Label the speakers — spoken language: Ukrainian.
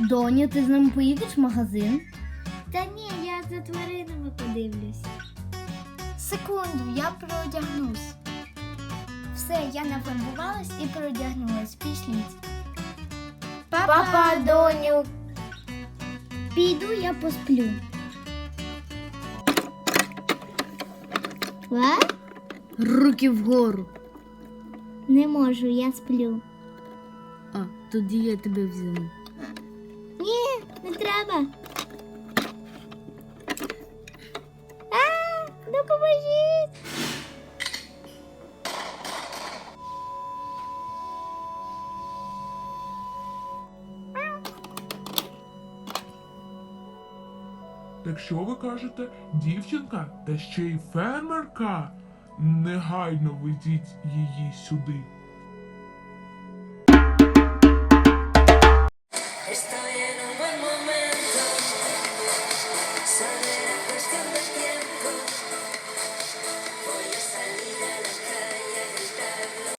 Speaker 1: Доню, ти з нами поїдеш в магазин?
Speaker 2: Та ні, я за тваринами подивлюсь.
Speaker 3: Секунду, я переодягнусь. Все, я нафарбувалась і переодягнулась. Пішліть.
Speaker 2: Папа,
Speaker 3: доню.
Speaker 2: піду я посплю.
Speaker 1: Руки вгору.
Speaker 2: Не можу, я сплю.
Speaker 1: А, тоді я тебе взяла.
Speaker 2: Ні, не треба. Допоможіть.
Speaker 4: Так що ви кажете, дівчинка та ще й фермерка? Негайно ведіть її сюди.